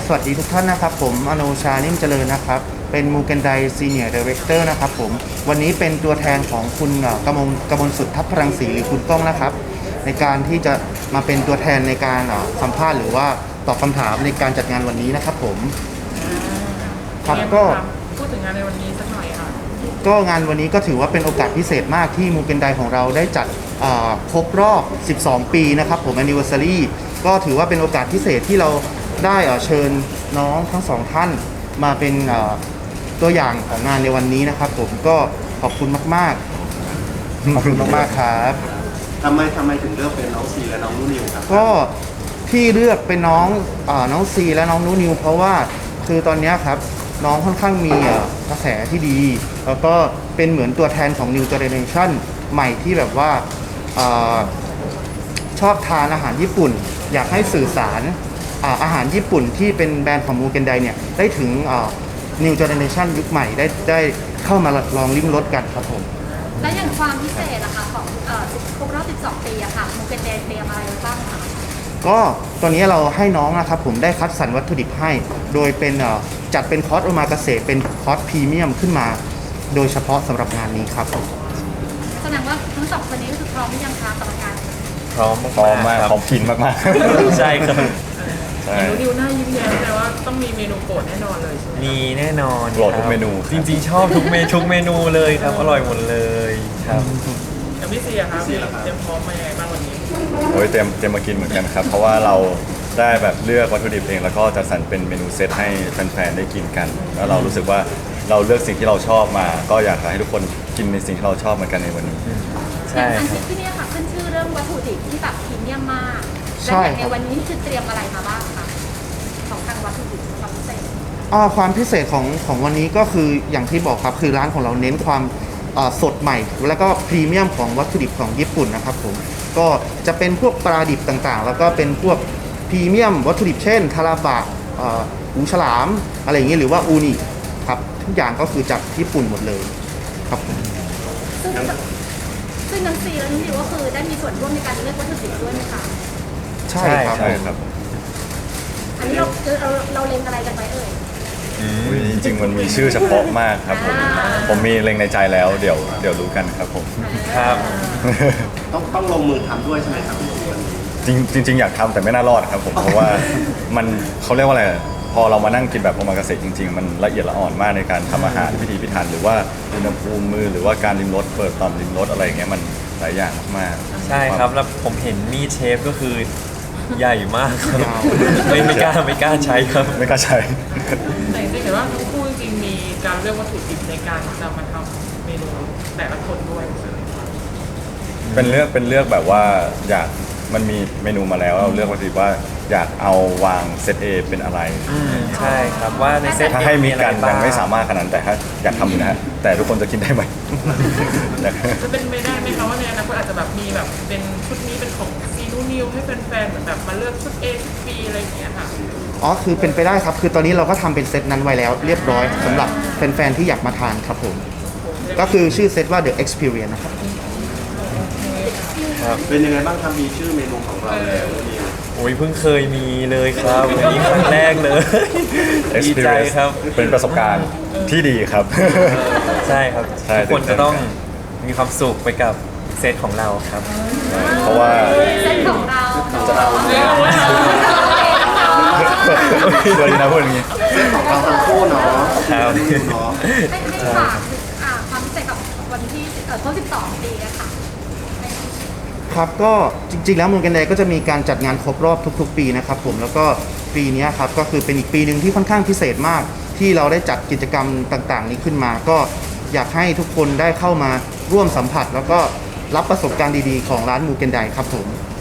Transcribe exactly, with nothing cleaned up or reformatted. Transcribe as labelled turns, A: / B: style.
A: สวัสดีทุกท่านนะครับผมอโนชานิ่มเจริญนะครับเป็นมูเกนไดซีเนียร์ดีเรคเตอร์นะครับผมวันนี้เป็นตัวแทนของคุณกมลกมลสุดทัพพรังสีหรือคุณก้องนะครับในการที่จะมาเป็นตัวแทนในการสัมภาษณ์หรือว่าตอบคำถามในการจัดงานวันนี้นะครับผมครับก็
B: พูดถึงงานในวันนี้สักหน่อยค่ะ
A: ก็งานวันนี้ก็ถือว่าเป็นโอกาสพิเศษมากที่มูเกนไดของเราได้จัดครบรอบสิบสองปีนะครับผม anniversary ก็ถือว่าเป็นโอกาสพิเศษที่เราได้เชิญน้องทั้งสองท่านมาเป็นตัวอย่างของงานในวันนี้นะครับผมก็ขอบคุณมากๆขอบคุณมากๆครับ
C: ทำไมทำไมถึงเลือกเป็นน้องซีและน้องนูนิวครับ
A: ก็ที่เลือกเป็นน้องน้องซีและน้องนูนิวเพราะว่าคือตอนนี้ครับน้องค่อนข้างมีกระแสที่ดีแล้วก็เป็นเหมือนตัวแทนของ New Generation ใหม่ที่แบบว่าชอบทานอาหารญี่ปุ่นอยากให้สื่อสารอาหารญี่ปุ่นที่เป็นแบรนด์ของมูเกนไดเนี่ยได้ถึง New Generation ยุคใหม่ได้ได้เข้ามาลองลิ้มรสกันครับผม
D: และอย่างความพิเศษอะค่ะของครบรอบสิบสองปีอะค่ะมูเกนไดเตรียมอะไรบ้างคะ
A: ก็ตอนนี้เราให้น้องนะครับผมได้คัดสรรวัตถุดิบให้โดยเป็นจัดเป็นคอร์สโอมากาเสะเป็นคอร์สพรีเมียมขึ้นมาโดยเฉพาะสำหรับงานนี้ครับ
D: แสดงว่าทั้งสองคนนี้ก็คือพร้อมหรือยังคะสำหรับงาน
E: พร้อมพร้อมมากพร้อมกินมากๆใช่ครับ
B: นูนิวหน้ายิ้มแย้มแต่ว่าต้องมีเมนูโปรดแน่นอนเลยใช่ไหม
E: มีแน่นอน
A: โปรดทุกเมนู
E: จริงๆชอบทุกเมนูทุกเมนูเลยครับอร่อยหมดเลยครับ
B: แล้วพี่เสียครับเตรียมพร้อมมายังไงบ้างวันนี้
E: โอ้ยเตรียมเตรียมมากินเหมือนกันครับเพราะว่าเราได้แบบเลือกวัตถุดิบเองแล้วก็จัดสรรเป็นเมนูเซตให้แฟนๆได้กินกันแล้วเรารู้สึกว่าเราเลือกสิ่งที่เราชอบมาก็อยากให้ทุกคนกินในสิ่งที่เราชอบเหมือนกันในวันนี้
D: ใช่ครับที่นี่ค่ะขึ้นชื่อเรื่องวัตถุดิบที่แบบพรีเมียมมากและในวันนี้คือเตรียมอะไรมาบ้างคะของทางวัตถุดิบความพิเศษ
A: อ๋อความพิเศษของของวันนี้ก็คืออย่างที่บอกครับคือร้านของเราเน้นความสดใหม่แล้วก็พรีเมียมของวัตถุดิบของญี่ปุ่นนะครับผมก็จะเป็นพวกปลาดิบต่างๆแล้วก็เป็นพวกพรีเมียมวัตถุดิบเช่นทาราบะหูฉลามอะไรอย่างเงี้ยหรือว่าอูนิครับทุกอย่างก็คือจากญี่ปุ่นหมดเลยครับผม
D: ซึ่งซึ่งน้องซีและน้องดิวก็คือได้มีส่วนร่วมในการเลือกวัตถุดิบด้วยไหมคะ
A: ใช่ครับใช่ครับ
D: อันนี้เราเราเราเล็งอะไรกันไว้เอ่ย
E: จริงๆมันมีชื่อเฉพาะมากครับผมผมมีเล็งในใจแล้วเดี๋ยวเดี๋ยวรู้กันครับผมครับ
C: ต้องต้องลงมือทำด้วยใช่ไหมครับ
E: จริงจริงๆอยากทำแต่ไม่น่ารอดครับผมเพราะว่ามันเขาเรียกว่าอะไรพอเรามานั่งกินแบบโอมากาเสะจริงๆมันละเอียดละอ่อนมากในการทำอาหารพิถีพิถันหรือว่าอุณหภูมิมือหรือว่าการริมรสเปิดต่อมริมรสอะไรอย่างเงี้ยมันหลายอย่างมาก
F: ใช่ครับแล้วผมเห็นมีดเชฟก็คือใหญ่มากครับไม่ไม่กล้าไม่กล้าใช้ครับ
E: ไม่กล้าใช้
B: แต่จริงๆเห็นว่าทั้งคู่จริงๆมีการเลือกวัตถุดิบในการจะมาทำเมนูแต่ละคนด้วย
E: เป็นเลือกเป็นเลือกแบบว่าอยากมันมีเมนูมาแล้วเราเลือกวัตถุดิบว่าอยากเอาวางเซต A เป็นอะไร
F: ใช่ครับว่าในเซต
E: ถ้าให้มีกันยังไม่สามารถขนาดนั้นแต่ถ้าอยากทำอยู่นะฮะแต่ทุกคนจะกินได้ไหม
B: จะเป็นไม่ได้ไหมคะว่าในอนาคตอาจจะแบบมีแบบเป็นชุดนี้เป็นของซีนูนิวให้แฟนๆเหมือนแบบมาเลือกชุด A ชุด B อะไรอย่างเงี้ยค่ะ
A: อ๋อคือเป็นไปได้ครับคือตอนนี้เราก็ทำเป็นเซตนั้นไว้แล้วเรียบร้อยสำหรับแฟนๆที่อยากมาทานครับผมก็คือชื่อเซตว่า The Experience นะครับ
C: เป็นยังไงบ้างครับมีชื่อเมนูของเราแล้วเนี่ย
F: โอ้ยเพิ่งเคยมีเลยครับวันนี้ครั้งแรกเลยดีใจครับ
E: เป็นประสบการณ์ที่ดีครับ
F: ใช่ครับทุกคนจะต้องมีความสุขไปกับเซตของเราครับ
E: เพราะว่า
D: เซตของเรา
C: จะเอา
E: เลยนะพูดอย่างนี้
C: เซตของเราทั้งคู่เนาะ
E: ครับ
D: เนาะให้ให้ฝากความพิเศษกับวันที่ครบสิบสองปีนะคะ
A: ครับก็จริงๆแล้วมูเกนไดก็จะมีการจัดงานครบรอบทุกๆปีนะครับผมแล้วก็ปีนี้ครับก็คือเป็นอีกปีหนึ่งที่ค่อนข้างพิเศษมากที่เราได้จัดกิจกรรมต่างๆนี้ขึ้นมาก็อยากให้ทุกคนได้เข้ามาร่วมสัมผัสแล้วก็รับประสบการณ์ดีๆของร้านมูเกนไดครับผม